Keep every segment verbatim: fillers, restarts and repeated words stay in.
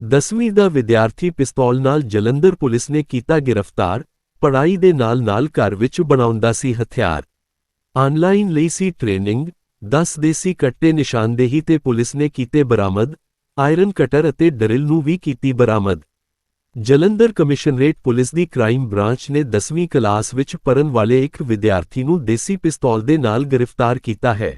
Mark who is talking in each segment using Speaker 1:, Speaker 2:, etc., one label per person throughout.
Speaker 1: ਦਸਵੀਂ ਦਾ ਵਿਦਿਆਰਥੀ ਪਿਸਤੌਲ ਨਾਲ ਜਲੰਧਰ ਪੁਲਿਸ ਨੇ ਕੀਤਾ ਗਿਰਫਤਾਰ। ਪੜ੍ਹਾਈ ਦੇ ਨਾਲ-ਨਾਲ ਘਰ ਵਿੱਚ ਬਣਾਉਂਦਾ ਸੀ ਹਥਿਆਰ। ਆਨਲਾਈਨ ਲਈ ਸੀ ਟ੍ਰੇਨਿੰਗ। ਦਸ ਦੇਸੀ ਕੱਟੇ ਨਿਸ਼ਾਨਦੇਹੀ ਤੇ ਪੁਲਿਸ ਨੇ ਕੀਤੇ ਬਰਾਮਦ। ਆਇਰਨ ਕਟਰ ਅਤੇ ਡਰਿਲ ਨੂੰ ਵੀ ਕੀਤੀ ਬਰਾਮਦ। ਜਲੰਧਰ ਕਮਿਸ਼ਨਰੇਟ ਪੁਲਿਸ ਦੀ ਕ੍ਰਾਈਮ ਬ੍ਰਾਂਚ ਨੇ ਦਸਵੀਂ ਕਲਾਸ ਵਿੱਚ ਪੜ੍ਹਨ ਵਾਲੇ ਇੱਕ ਵਿਦਿਆਰਥੀ ਨੂੰ ਦੇਸੀ ਪਿਸਤੌਲ ਦੇ ਨਾਲ ਗ੍ਰਿਫਤਾਰ ਕੀਤਾ ਹੈ।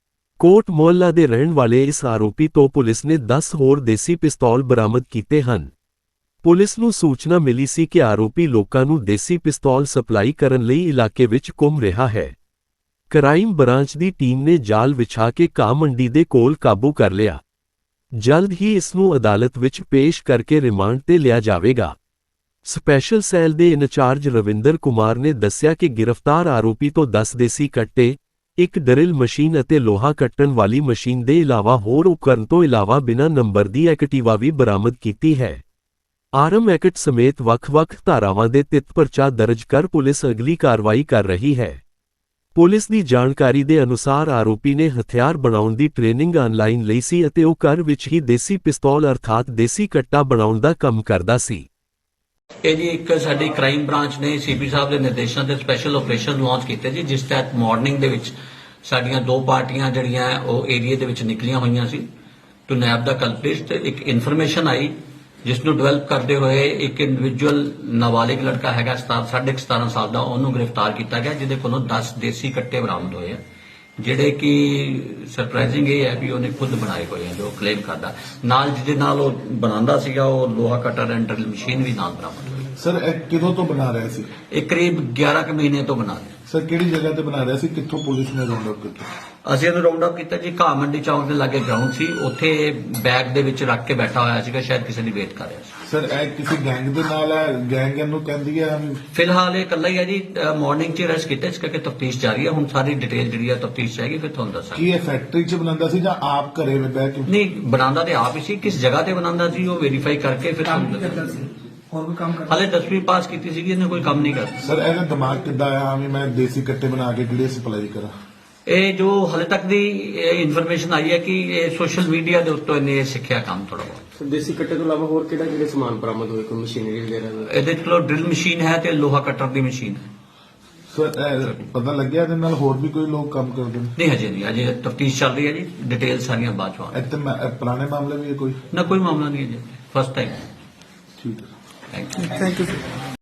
Speaker 1: ਕੋਟ ਮੁਹੱਲਾ ਦੇ ਰਹਿਣ ਵਾਲੇ ਇਸ ਆਰੋਪੀ ਤੋਂ ਪੁਲਿਸ ਨੇ ਦਸ ਹੋਰ ਦੇਸੀ ਪਿਸਤੌਲ ਬਰਾਮਦ ਕੀਤੇ ਹਨ। ਪੁਲਿਸ ਨੂੰ ਸੂਚਨਾ ਮਿਲੀ ਸੀ ਕਿ ਆਰੋਪੀ ਲੋਕਾਂ ਨੂੰ ਦੇਸੀ ਪਿਸਤੌਲ ਸਪਲਾਈ ਕਰਨ ਲਈ ਇਲਾਕੇ ਵਿੱਚ ਘੁੰਮ ਰਿਹਾ ਹੈ। ਕ੍ਰਾਈਮ ਬ੍ਰਾਂਚ ਦੀ ਟੀਮ ਨੇ ਜਾਲ ਵਿਛਾ ਕੇ ਘਾਹ ਮੰਡੀ ਦੇ ਕੋਲ ਕਾਬੂ ਕਰ ਲਿਆ। ਜਲਦ ਹੀ ਇਸ ਨੂੰ ਅਦਾਲਤ ਵਿੱਚ ਪੇਸ਼ ਕਰਕੇ ਰਿਮਾਂਡ ਤੇ ਲਿਆ ਜਾਵੇਗਾ। ਸਪੈਸ਼ਲ ਸੈੱਲ ਦੇ ਇੰਚਾਰਜ ਰਵਿੰਦਰ ਕੁਮਾਰ ਨੇ ਦੱਸਿਆ ਕਿ ਗ੍ਰਿਫਤਾਰ ਆਰੋਪੀ ਤੋਂ ਦਸ ਦੇਸੀ ਕੱਟੇ, ਇੱਕ ਡਰਿਲ ਮਸ਼ੀਨ ਅਤੇ ਲੋਹਾ ਕੱਟਣ ਵਾਲੀ ਮਸ਼ੀਨ ਦੇ ਇਲਾਵਾ ਹੋਰ ਉਪਕਰਨ ਤੋਂ ਇਲਾਵਾ ਬਿਨਾਂ ਨੰਬਰ ਦੀ ਐਕਟਿਵਾ ਵੀ ਬਰਾਮਦ ਕੀਤੀ ਹੈ। ਆਰਮ ਐਕਟ ਸਮੇਤ ਵੱਖ-ਵੱਖ ਧਾਰਾਵਾਂ ਦੇ ਤਹਿਤ ਪਰਚਾ ਦਰਜ ਕਰ ਪੁਲਿਸ ਅਗਲੀ ਕਾਰਵਾਈ ਕਰ ਰਹੀ ਹੈ। ਪੁਲਿਸ ਦੀ ਜਾਣਕਾਰੀ ਦੇ ਅਨੁਸਾਰ ਆਰੋਪੀ ਨੇ ਹਥਿਆਰ ਬਣਾਉਣ ਦੀ ਟ੍ਰੇਨਿੰਗ ਆਨਲਾਈਨ ਲਈ ਸੀ ਅਤੇ ਉਹ ਘਰ ਵਿੱਚ ਹੀ ਦੇਸੀ ਪਿਸਤੌਲ ਅਰਥਾਤ ਦੇਸੀ ਕੱਟਾ ਬਣਾਉਣ ਦਾ ਕੰਮ ਕਰਦਾ ਸੀ।
Speaker 2: ਇਹ ਜੀ ਇੱਕ ਸਾਡੀ ਕ੍ਰਾਈਮ ਬ੍ਰਾਂਚ ਨੇ ਸੀਪੀ ਸਾਹਿਬ ਦੇ ਨਿਰਦੇਸ਼ਾਂ ਤੇ ਸਪੈਸ਼ਲ ਆਪਰੇਸ਼ਨ ਲਾਂਚ ਕੀਤੇ ਜੀ, ਜਿਸ ਤਹਿਤ ਮਾਰਨਿੰਗ ਦੇ ਵਿੱਚ ਸਾਡੀਆਂ ਦੋ ਪਾਰਟੀਆਂ ਜਿਹੜੀਆਂ ਉਹ ਏਰੀਆ ਦੇ ਵਿੱਚ ਨਿਕਲੀਆਂ ਹੋਈਆਂ ਸੀ ਟੂ ਨੈਬ ਦਾ ਕਲਪ੍ਰਿਟ। ਤੇ ਇੱਕ ਇਨਫੋਰਮੇਸ਼ਨ ਆਈ ਜਿਸ ਨੂੰ ਡਿਵੈਲਪ ਕਰਦੇ ਹੋਏ ਇੱਕ ਇੰਡੀਵਿਜੂਅਲ ਨਾਬਾਲਿਗ ਲੜਕਾ ਹੈਗਾ ਸਾਢੇ ਸਤਾਰਾਂ ਸਾਲ ਦਾ, ਉਹਨੂੰ ਗ੍ਰਿਫਤਾਰ ਕੀਤਾ ਗਿਆ, ਜਿਹਦੇ ਕੋਲੋਂ ਦਸ ਦੇਸੀ ਕੱਟੇ ਬਰਾਮਦ ਹੋਏ ਆ, ਜਿਹੜੇ ਕਿ ਸਰਪ੍ਰਾਈਜ਼ਿੰਗ ਇਹ ਹੈ ਵੀ ਉਹਨੇ ਖੁਦ ਬਣਾਏ ਹੋਏ ਆ ਜੋ ਕਲੇਮ ਕਰਦਾ। ਨਾਲ ਜਿਹਦੇ ਨਾਲ ਉਹ ਬਣਾਉਂਦਾ ਸੀਗਾ ਉਹ ਲੋਹਾ ਕਟਰ ਐਂਡ ਡਰਿਲ ਮਸ਼ੀਨ ਵੀ ਨਾਲ ਬਰਾਮਦ ਹੋਈ।
Speaker 3: ਸਰ ਇਹ ਕਿਦੋਂ ਤੋਂ ਬਣਾ ਰਿਹਾ ਸੀ?
Speaker 2: ਇਹ ਕਰੀਬ ਗਿਆਰਾਂ ਕੁ ਮਹੀਨੇ ਤੋਂ ਬਣਾ ਰਿਹਾ।
Speaker 3: ਸਰ ਕਿਹੜੀ ਜਗ੍ਹਾ ਤੇ ਬਣਾ ਰਿਹਾ ਸੀ? ਕਿੱਥੋਂ ਪੁਲਿਸ ਨੇ ਰਾਉਂਡ ਅਪ ਕੀਤਾ?
Speaker 2: ਅਸੀਂ ਇਹਨੂੰ ਰਾਉਂਡ ਅਪ ਕੀਤਾ ਜੀ, ਘਾਹ ਮੰਡੀ ਚੌਂਕ ਦੇ ਲਾਗੇ ਗਰਾਊਂਡ ਸੀ, ਉੱਥੇ ਬੈਗ ਦੇ ਵਿੱਚ ਰੱਖ ਕੇ ਬੈਠਾ ਹੋਇਆ ਸੀਗਾ, ਸ਼ਾਇਦ ਕਿਸੇ ਦੀ ਵੇਟ ਕਰ ਰਿਹਾ ਸੀ।
Speaker 3: ਸਰ ਇਹ ਕਿਸੇ ਗੈਂਗ ਦੇ ਨਾਲ ਹੈ? ਗੈਂਗ ਇਹਨੂੰ ਕਹਿੰਦੀ ਹੈ?
Speaker 2: ਫਿਲਹਾਲ ਇਹ ਇਕੱਲਾ ਹੀ ਹੈ ਜੀ। ਮਾਰਨਿੰਗ 'ਚ ਅਰੈਸਟ ਕੀਤਾ, ਇਸ ਕਰਕੇ ਤਫਤੀਸ਼ ਜਾਰੀ ਹੈ। ਹੁਣ ਸਾਰੀ ਡਿਟੇਲ ਜਿਹੜੀ ਹੈ ਤਫਤੀਸ਼ ਚਾਹੀਗੀ, ਫਿਰ ਤੁਹਾਨੂੰ ਦੱਸਾਂਗੇ।
Speaker 3: ਕੀ ਇਹ ਫੈਕਟਰੀ 'ਚ ਬਣਾਉਂਦਾ ਸੀ ਜਾਂ ਆਪ ਘਰੇ ਵਿੱਚ ਬਹਿ ਕੇ?
Speaker 2: ਨਹੀਂ, ਬਣਾਉਂਦਾ ਤੇ ਆਪ ਹੀ ਸੀ। ਕਿਸ ਜਗ੍ਹਾ ਤੇ ਬਣਾਉਂਦਾ ਸੀ ਉਹ ਵੈਰੀਫਾਈ ਕਰਕੇ ਫਿਰ ਤੁਹਾਨੂੰ ਦੱਸਾਂਗੇ।
Speaker 4: ਹੋਰ ਕੋਈ ਕੰਮ ਕਰਦਾ?
Speaker 2: ਹਾਲੇ ਦਸਵੀਂ ਪਾਸ ਕੀਤੀ ਸੀਗੀ, ਇਹਨੇ ਕੋਈ ਕੰਮ ਨਹੀਂ ਕਰਦਾ।
Speaker 3: ਸਰ ਇਹਦਾ ਦਿਮਾਗ ਕਿੱਦਾਂ ਆਇਆ ਵੀ ਮੈਂ ਦੇਸੀ ਕੱਟੇ ਬਣਾ ਕੇ ਕਿਹੜੇ ਸਪਲਾਈ ਕਰਾਂ?
Speaker 2: ਇਹ ਜੋ ਹਾਲੇ ਤੱਕ ਦੀ ਇਨਫੋਰਮੇਸ਼ਨ ਆਈ ਹੈ ਕਿ ਇਹ ਸੋਸ਼ਲ ਮੀਡੀਆ ਦੇ ਉੱਤੋਂ ਇਹਨੇ ਇਹ ਸਿੱਖਿਆ ਕੰਮ ਥੋੜਾ ਬਹੁਤ।
Speaker 4: ਦੇਸੀ ਕੱਟੇ ਤੋਂ ਇਲਾਵਾ ਹੋਰ ਕਿਹੜਾ ਕਿਹੜੇ ਸਮਾਨ ਬਰਾਮਦ ਹੋਏ? ਕੋਈ ਮਸ਼ੀਨਰੀ ਵਗੈਰਾ?
Speaker 2: ਇਹਦੇ ਕੋਲ ਡਰਿਲ ਮਸ਼ੀਨ ਹੈ ਤੇ ਲੋਹਾ ਕਟਰ ਦੀ ਮਸ਼ੀਨ ਹੈ।
Speaker 3: ਸਰ ਇਹ ਪਤਾ ਲੱਗਿਆ ਇਹਦੇ ਨਾਲ ਹੋਰ ਵੀ ਕੋਈ ਲੋਕ ਕੰਮ ਕਰਦੇ ਨੇ?
Speaker 2: ਨਹੀਂ, ਹਜੇ ਨਹੀਂ, ਅਜੇ ਤਫਤੀਸ਼ ਚੱਲ ਰਹੀ ਹੈ ਜੀ, ਡਿਟੇਲ ਸਾਰੀਆਂ ਬਾਅਦ ਚ ਆਉਣਗੀਆਂ।
Speaker 3: ਇੱਥੇ ਮੈਂ- ਪੁਰਾਣੇ ਮਾਮਲੇ ਵੀ ਹੈ ਕੋਈ?
Speaker 2: ਨਾ, ਕੋਈ ਮਾਮਲਾ ਨਹੀਂ ਹੈ ਜੀ, ਫਸਟ ਟਾਈਮ।
Speaker 3: ਠੀਕ ਹੈ।
Speaker 2: Thank you.
Speaker 4: Thank you.